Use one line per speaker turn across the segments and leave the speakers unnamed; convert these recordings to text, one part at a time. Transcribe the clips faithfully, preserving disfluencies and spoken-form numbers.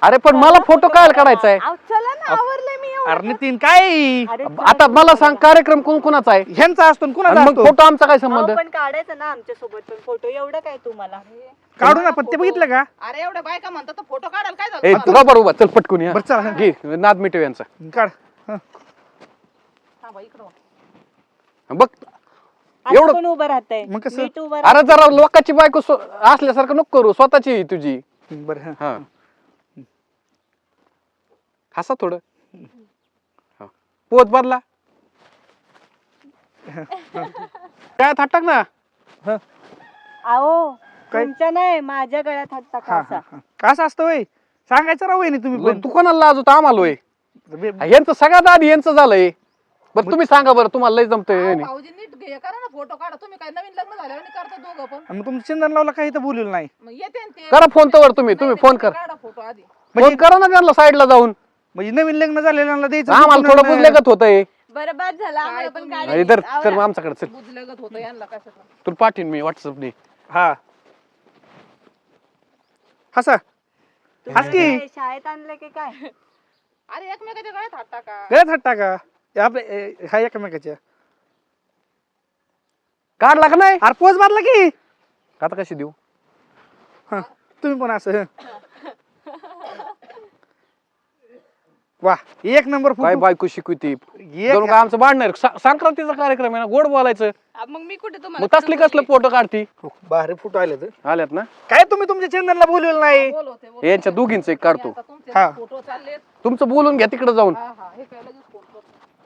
अरे पण मला फोटो काय काढायचा आहे?
चला ना आवरले मी एवढं.
अरे नितीन काय
आता मला सांग कार्यक्रम कोण कोणाचा आहे?
ह्यांचा असतो कुणाचा
मग
असतो?
फोटो आमचा काय संबंध?
अहो, पण काढायचं ना आमच्या सोबत पण फोटो एवढं काय तुम्हाला
काढू ना पण ते बघितलं का?
अरे एवढ्या बायका म्हणतात तर फोटो काढायला काय
ए
झालं?
तुला बरोबर चल पटकून या.
बरं चला
घे नाद मिटव यांचा.
काढ हं.
थांबा इकडं.
बघ
एवढं
एवढं
पण उभं राहतंय
मग कसं?
नीट उभं
अरे जरा लोकांची बायको स्व- असल्यासारखं नको करू, स्वतःची आहे तुझी.
बरं हं.
हा हसा थोडं. हा. पोत बदला काय थाटक ना.
हं.
अहो
काय?
तुमच्या नाही माझ्या गळ्यात हात
हा,
टाका
हा,
असा.
हा. कसं असतं वय सांगायचं राव वहिनी तुम्ही पण
तू कोणाला लाज होता? आम्हाला होय.
बे-
यांचं सगळ्यात आधी यांचं झालंय. बरं तुम्ही सांगा बरं तुम्हाला लय जमतंय
अहो, भाऊजी नीट घे करा ना फोटो काढा. तुम्ही काय नवीन लग्न झाल्यावर आणि करता दोघं पण.
आणि मग तुमचं चंदन लावला काही तर बोललेलं नाही.
मग येते ना ते.
करा फोन तर तुम्ही तुम्ही फोन कर.
काढा फोटो आधी.
फोन करा ना त्यांना साईडला जाऊन.
म्हणजे नवीन लग्न झालेल्यांना द्यायचं
आम्हाला
चुकून
थोडं
आणि-
बुजलेगत होतंय.
बरं बाद झाला आम्हाला पण
तुम्ही-
काढायचं.
इधर
आवरा.
तर आमच्याकडे चल.
बुजलगत होतं यांना कशाचं.
तुला पाठवीन मी व्हॉट्सअपने.
हा हसा
तुम्ही
हस की.
काय शाळेत आणलं की काय
अरे एकमेकाच्या गळ्यात हात टाका.
गळ्यात हात टाका हे आपले ए, हा एकमेकाच्या
काढला का नाही?
अरे पोच मारला की
आता कशी देऊ?
हा तुम्ही पण असं हं. वा एक नंबर
काय
फोटो
बायको शिकवती
एक-
जणू का आमचं बांधणार संक्रांतीचा कार्यक्रम आहे ना, गोड बोलायचं.
आ, मग मी कुठे
मग
तुम्हाला
तसली कसलं फोटो काढती?
भारी फोटो आले तर
आल्यात ना
काय तुम्ही तुमच्या चंदनला बोलवलं नाही
बोलवते बोलवते.
यांच्या दोघींच एक काढतो.
आता तुमचे
हा.
फोटो चालले.
तुमचं बोलून घ्या तिकडे जाऊन.
हा हा हे काय लगेच फोन करतो.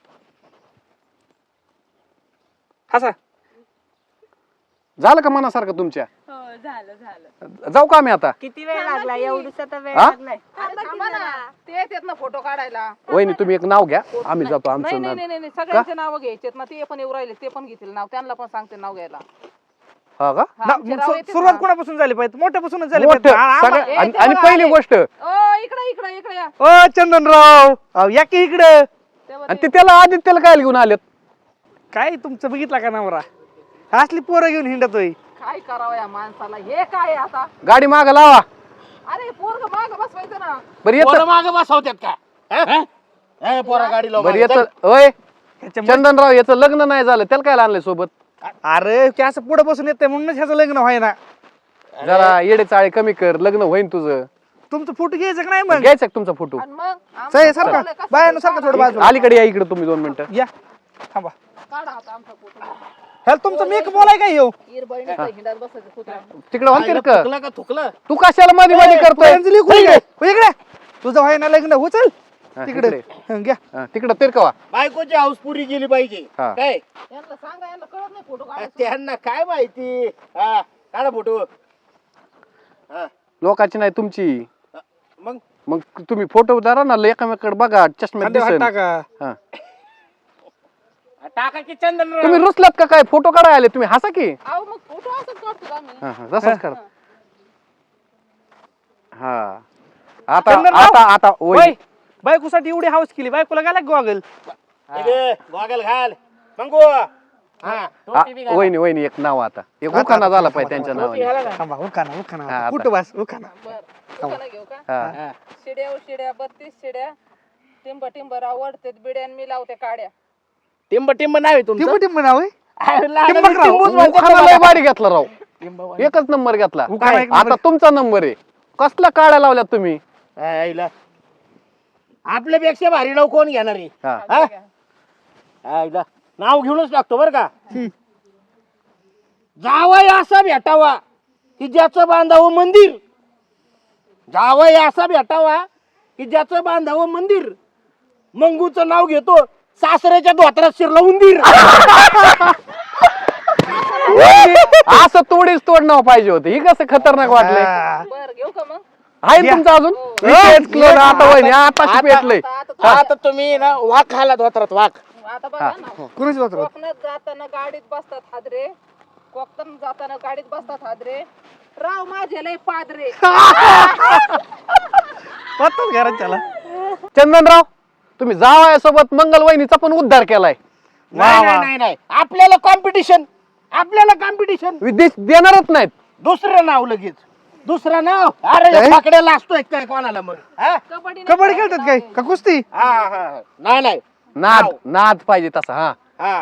हसा
झालं का मनासारखं तुमच्या?
हो झालं झालं
जाऊ का आम्ही आता?
किती वेळ लागला एवढूसा तर वेळ
हा?
लागलाय
अरे थांबा ना. ते येतात ना फोटो काढायला.
वहिनी तुम्ही एक नाव घ्या, आम्ही जातो
नाही
आमचं
नाही
नाव.
नाही नाही सगळ्यांचे नाव घ्यायचे ना. ते पण येऊ राहिले ते पण घेतील नाव. त्यांना पण सांगते नाव घ्यायला.
हा का?
हा,
ना,
आमचे
मग
नाव
सु-
येतात
सुरुवात
ना.
कोणापासून झाली पाहिजे मोठ्यापासूनच झाली
मोठं,
पाहिजे आ- आम्हा-
सगळं-
ए,
आणि
ते
आणि
बघा
पहिली
आले.
गोष्ट
ओ इकडे इकडे इकडे या.
ओ चंदनराव अहो, या की इकडं
तेव्हा
आणि
ते-
ते त्याला आदित्यला काय घेऊन आलेत?
काय तुमचं बघितला का नवरा असली पोरं घेऊन हिंडतोय
काय करावं या माणसाला. हे काय आता.
गाडी माग लावा.
अरे पोरग माग बसवायचं ना.
बरं येत
मागे बसवतात का हं? हं, पोरा गाडी लावून
बरं
मागे.
येत ओय
ह्याच्या
चंदनराव याचं लग्न नाही झालं त्याला काय आणलंय सोबत?
अरे की असं पुढे बसून येते म्हणूनच ह्याचं लग्न व्हाय ना
जरा येडे चाळे कमी कर, लग्न होईन तुझं.
तुमचं फोटो घ्यायचं का नाही मग
घ्यायचा का तुमचा फोटो?
आणि मग
सही
आमचं
सारखा
कसं
बायानं सारखा थोडं बाजू
अलीकडे या इकडे तुम्ही दोन मिनिटं.
या थांबा
काढा आता आमचा फोटो.
ह्याला तुमचं मेक बोलाय काय येऊ
ईर बहिणीचा हिंडात बसायचं कुत्रा.
तिकडे म्हणते
आईला
का
थुकलं का थुकलं
तू कशाला मध्ये मध्ये करतोय?
अंजली इकडे इकडे तुझं व्हाय ना लग्न हो चल
हा,
तिकडे
इकडे.
हं, घ्या
हा, तिकडं तिरकवा.
बायकोची हाऊस पुरी गेली पाहिजे
हा.
काय
यांना सांगा यांना कळत नाही फोटो
आ,
काढायचं.
त्यांना काय माहिती हा काढा फोटो हा
लोकांची नाही तुमची.
मग
मग तुम्ही फोटो धरा ना, एकामेकडे बघा चष्म्यात
खांद्यावर हात
दिसेल.
टाका
हा.
टाका की चंदन
तुम्ही रुसलात का काय? फोटो काढायला आले तुम्ही, हसा की.
अहो मग फोटो असंच काढतो आम्ही.
हा, हा, तसंच करा. हा आता
चंदनराव?
आता आता
होय
ओय
बायकोसाठी एवढी हाऊस केली बायकोला गेला गॉगल
गॉगल घाल मंगू हा
आ, वहिनी वहिनी एक नाव आता एक उखाणा झाला पाहिजे त्यांच्या नावाने.
थांबा उखाना उखाना
हा, आता.
कुठं बस उखाना
बर दुकानं घेऊ का.
हा.
शिड्या शिड्या बत्तीस शिड्या टिंब टिंब आवडते बिड्यान मी लावते काड्या.
टिंब टिंब नाही तुमचं
टिंब टिंब नाव आहे
टिंबक राव.
उखाणा लय भारी घेतला राव, एकच नंबर घेतला.
उखाणा एक
आता
नंबर.
तुमचा नंबर आहे. कसला काढ्या लावल्यात तुम्ही?
आईला आपल्यापेक्षा भारी नाव कोण घेणार आहे
हा.
हा? आईला नाव घेऊनच टाकतो बर का जावय असा भेटावा की ज्याचं बांधावं मंदिर जावय असा भेटावा की ज्याचं बांधावं मंदिर मंगूचं नाव घेतो सासऱ्याच्या धोत्रात शिरला उंदीर
असं तोडीच तोड नाव पाहिजे होते. ही कसं खतरनाक वाटलंय.
हा.
बर घेऊ का मग.
आहे ना तुमचं अजून? विशेष क्लोन आता वहिनी आताशी पेटलंय.
आता आता
आता तुम्ही ना वाघ खाला धोत्रात वाघ
आता बघा ना.
कुणाची वात्र
कोकणात जाताना गाडीत बसतात हादरे. कोकणात जाताना गाडीत बसतात हादरे. राव माझे लय पादरे.
पत्ताच घरात त्याला
चंदनराव तुम्ही जावयासोबत मंगल वहिनीचा पण उद्धार केलाय.
नाही नाही नाही नाही आपल्याला कॉम्पिटिशन आपल्याला कॉम्पिटिशन
विदेश देणारच नाहीत.
दुसरं नाव लगेच दुसरं नाव अरे
काय?
फाकड्या लाजतोय काय कोणाला मग हा?
कबड्डी
कबड्डी खेळतात काय का कुस्ती
हा, हा. नाही नाही
नाद
नाव.
नाद पाहिजे तसा हा
हा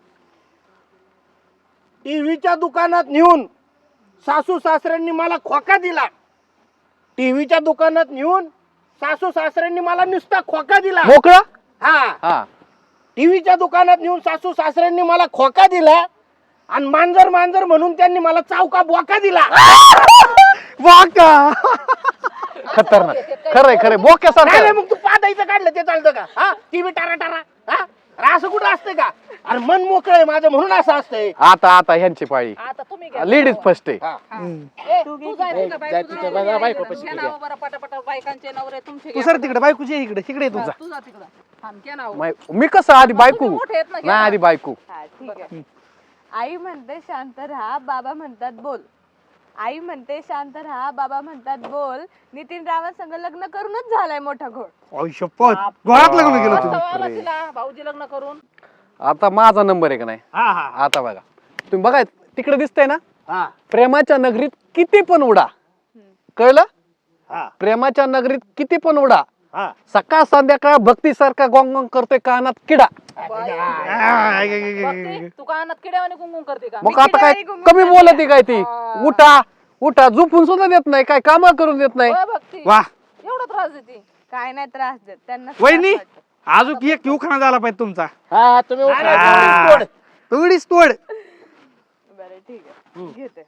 टीव्हीच्या दुकानात नेऊन सासू सासऱ्यांनी मला खोका दिला टीव्हीच्या दुकानात नेऊन सासू सासऱ्यांनी मला नुसता खोका दिला
मोकळा
हा
हा
टीव्हीच्या दुकानात नेऊन सासू सासऱ्यांनी मला खोका दिला आणि मांजर मांजर म्हणून त्यांनी मला चावका बोका दिला
वाका
खतरनाक खरंय खरंय
नाही
बोक्यासारखं
नाही, मग तू पादायचं काढलं ते चालतं का हा टीव्ही टारा टारा हा अरे असं कुठं असतं का अरे मन मोकळं आहे माझं म्हणून असं असतंय
आता आता ह्यांची पाळी
आता तुम्ही घ्या.
लेडीज फर्स्ट आहे
हा.
ए, तू जाय तिकडं, बाई,
जाय
तू
तिकडं,
जाय,
बाई, बाई,
इकडं.
बाई,
घ्या नावं बरं पटापट बायकांचे नवरे तुमचे
तू
घ्या.
सर तिकडे बायकोची आहे इकडे इकडे तुझा
तू जा तिकडं थांब, घ्या नावं.
माय- मी कसं आधी बायको
तुम्ही मोठे आहेत ना, घ्या
नाही
ना.
आधी बायको
हा ठीक आहे. आई म्हणते शांत राहा, बाबा म्हणतात बोल. आई म्हणते शांत राहा, बाबा म्हणतात बोल. नितीन रावांसंग लग्न करूनच झालाय मोठा घोड.
ओय शपथ घोडात लग्न केलं
मस्त
तू
आला तिला भाऊजी लग्न करून.
आता माझा नंबर आहे का नाही
हा हा
आता बघा तुम्ही बघा तिकडे दिसतंय ना
हा
प्रेमाच्या नगरीत किती पण उडा कळलं
हा
प्रेमाच्या नगरीत किती पण उडा
हा
सकाळ संध्याकाळ भक्तीसारखा गोंग गोंग करतोय कानात किडा
बघते, तू कानात किड्यावाने गुंगुंग करते का
मग आता काय कमी बोलते काय ती उठा उठा झोपून सुद्धा देत नाही काय काम करून देत नाही
होय भक्ती
वा
एवढा त्रास देते
काय नाही त्रास देत त्यांना.
वहिनी
त्रास वाटतो.
अजून एक उखाणा झाला पाहिजे तुमचा
हा तुम्ही उठा,
आ.
तुम्ही तोड.
तोडीस तोड
बरं ठीक आहे घेते.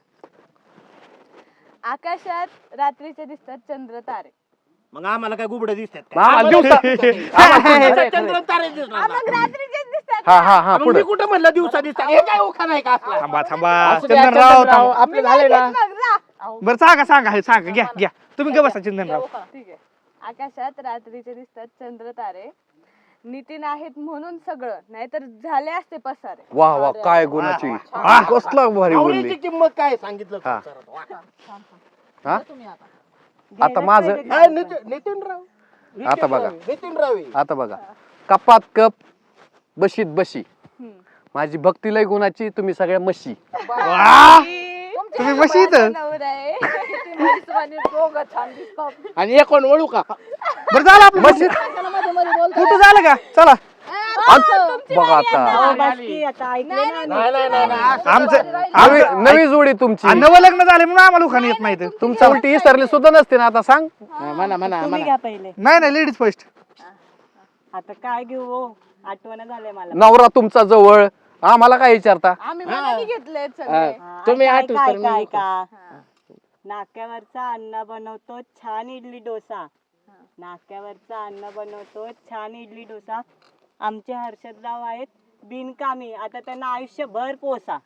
आकाशात रात्रीचे दिसतात चंद्र तारे.
मग आम्हाला काय गुबड दिसतात
मग आम्हाला दिवसा
दिवसा चंद्र तारे दिसणार ना.
मग रात्रीचेच दिसतात.
हा हा हा
मग
पुढे
मी कुठं म्हणलं दिवसा दिसतात हे काय ओखा नाही का असला?
थांबा थांबा
असू द्या,
चंदनराव
चंदनराव,
थांबा.
आपलं झालंय ना
मग जा.
बरं सांगा सांगा हे सांगा घ्या घ्या तुम्ही ग बसा चंदनराव
ठीक आहे. आकाशात रात्रीचे दिसतात चंद्र तारे. नितीन आहेत म्हणून सगळं, नाहीतर झाले असते पसारे.
वा वा काय गुणाची
वा.
कसला भारी
आवडीची
बोलली
किंमत काय सांगितलं
हा.
संसारात. वा.
हा
तुम्ही आता
आता माझं
काय नितीन नितीनराव
आता बघा.
नितीनराव आहे.
आता बघा कपात कप बशीत बशी
हम्म.
माझी भक्ती लय गुणाची तुम्ही सगळ्या म्हशी
वा तुम्ही म्हशी इथं
नवरा आहे.
किती म्हैसवानी दोघं छान दिसतात.
आणि एक कोण ओळू का
बरं झालं आपलं
म्हशी
त्याला मध्ये मध्ये बोलतो.
कुठं झालं का चला
बघा आता
नाही नाही नाही नाही.
आमचं
नवी
आमचं-
नवी जोडी तुमची
आ, नवं लग्न झाले म्हणून आम्हाला उखाण येत नाही
तुमच्या उलटी विसरली सुद्धा नसते ना आता सांग
म्हणा म्हणा
तुम्ही
म्हणा
घ्या पहिले.
नाही नाही लेडीज फर्स्ट
आता काय घेऊ हो? आठवण झाले मला.
नवरा तुमचा जवळ आम्हाला काय विचारता
आम्ही मनाने घेतले सगळे.
हा,
तुम्ही
ऐका,
आठवत
ऐका,
तर मी
ऐका, ऐका. नाक्यावरचा अन्न बनवतो छान इडली डोसा. नाक्यावरचा अन्न बनवतो छान इडली डोसा. आमचे हर्षदराव आहेत बिनकामी, आता त्यांना आयुष्यभर पोसा.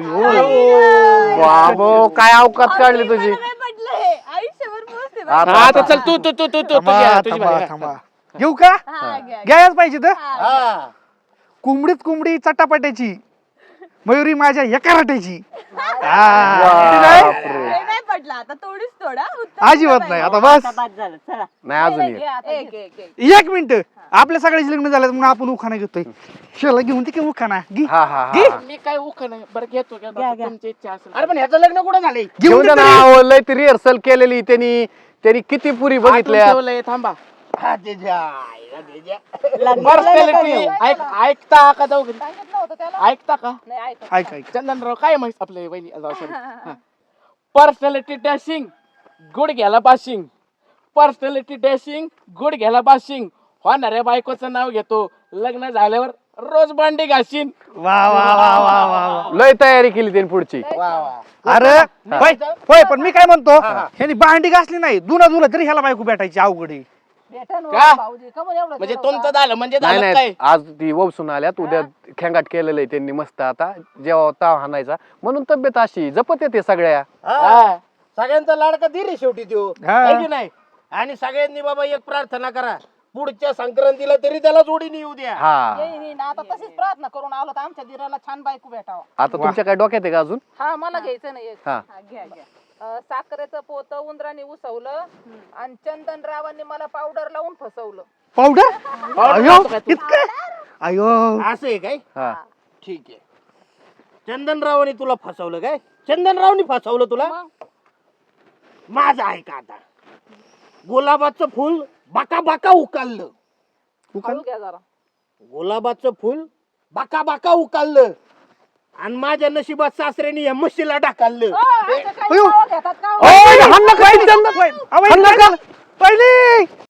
बाबो काय अवकात काढली तुझी
काय पटलं हे? आयुष्यभर पोहोचते बा.
आता
आता चल तू तू तू तू तू
थांबा
घ्या, तुझी
थांबा
बारी.
थांबा घेऊ का
हा, घ्या, घ्या.
घ्यायलाच पाहिजे तर
हा.
कोंबडीत कोंबडी चटापट्याची मयुरी माझ्या एका रट्याची
बापरे.
हे नाही पटलं आता थोडीच थोडा उत्तर
अजिबात
दिलं
नाही
पाहिजे.
आता बस
आता बाद झालं चला.
नाही अजून एक.
घे आता,
एक
घे.
एक एक
एक मिनिट आपल्या सगळ्याचे लग्न झालं म्हणून आपण उखाणा घेतोय शेला घेऊन ते की उखाणा घे
हा हा
घे.
हा
मी काय उख नाही बरं घेतो घेतो.
घ्या, घ्या.
तुमची इच्छा असेल अरे पण ह्याचं लग्न कुठं झालंय
घेऊन
घेऊन
दे
द्या
तरी.
ना लय रिहर्सल केलेली त्यांनी त्यांनी किती पुरी
आतून
बघितल्या
ठेवलंय, थांबा हा, ते ज्या, आईला ते ज्या.
लग्नाला
Personality.
नको नेऊ.
ऐक ऐकता का जाऊ
सांगितलं होतं त्याला
ऐकता का
नाही ऐक
ऐक ऐक
चंदनराव काय माहित आपले वहिनी पर्सनॅलिटी डॅशिंग गुड घ्यायला बाशिंग पर्सनॅलिटी डॅशिंग गुड घ्यायला बाशिंग होणाऱ्या बायकोचं नाव घेतो लग्न झाल्यावर रोज भांडी घासीन
वा वा वा वा वा वा.
लय तयारी केली त्यांनी पुढची
वा वा
अरे होय होय पण मी काय म्हणतो
हा, हा.
ह्यानी भांडी घासली नाही दुना दुला तरी ह्याला बायको भेटायची अवघड आहे
भेटन हो,
का?
भाऊजी का म्हणून एवढं
म्हणजे
केलं
तुमचं
होतं?
झालं म्हणजे
नाही
झालं
नाही
काय
आज ती वसून आल्यात उद्या खेंगाट केलेलं आहे त्यांनी मस्त आता जेव्हा ताव हाणायचा म्हणून तब्येत अशी जपत येते सगळ्या
हा. सगळ्यांचा लाडका धीर आहे शेवटी तो
हा.
है की नाही आणि सगळ्यांनी बाबा एक प्रार्थना करा पुढच्या संक्रांतीला तरी त्याला जोडीने येऊ द्या
हा
येईन, येईन. आता तशीच प्रार्थना करून आलो तर आमच्या दिराला छान बायको भेटावा
आता तुमच्या काय डोक्यात आहे का अजून
हा मला घ्यायचं नाही एक.
हा
हा, घ्या घ्या
अं, साखरेचं पोत उंदराने उसवलं आणि चंदनरावांनी मला पावडर लावून फसवलं
पावडर अयो इतकं अयो
असं आहे काय
हा
ठीक आहे चंदनरावने तुला फसवलं काय चंदनरावने फसवलं तुला
मग
माझं आहे का आता गुलाबाचं फुल बाका बाका उकाललं
हळू घ्या जरा.
गुलाबाचं फुल बाका बाका उकाललं आणि माझ्या नशिबात सासऱ्याने या म्हशीला ढाकललं
अ, असं काही
अयो.
नावं घेतात का हो?
अहो, हाण नका, हाण नका.
अहो,
हाण नका.
पहिली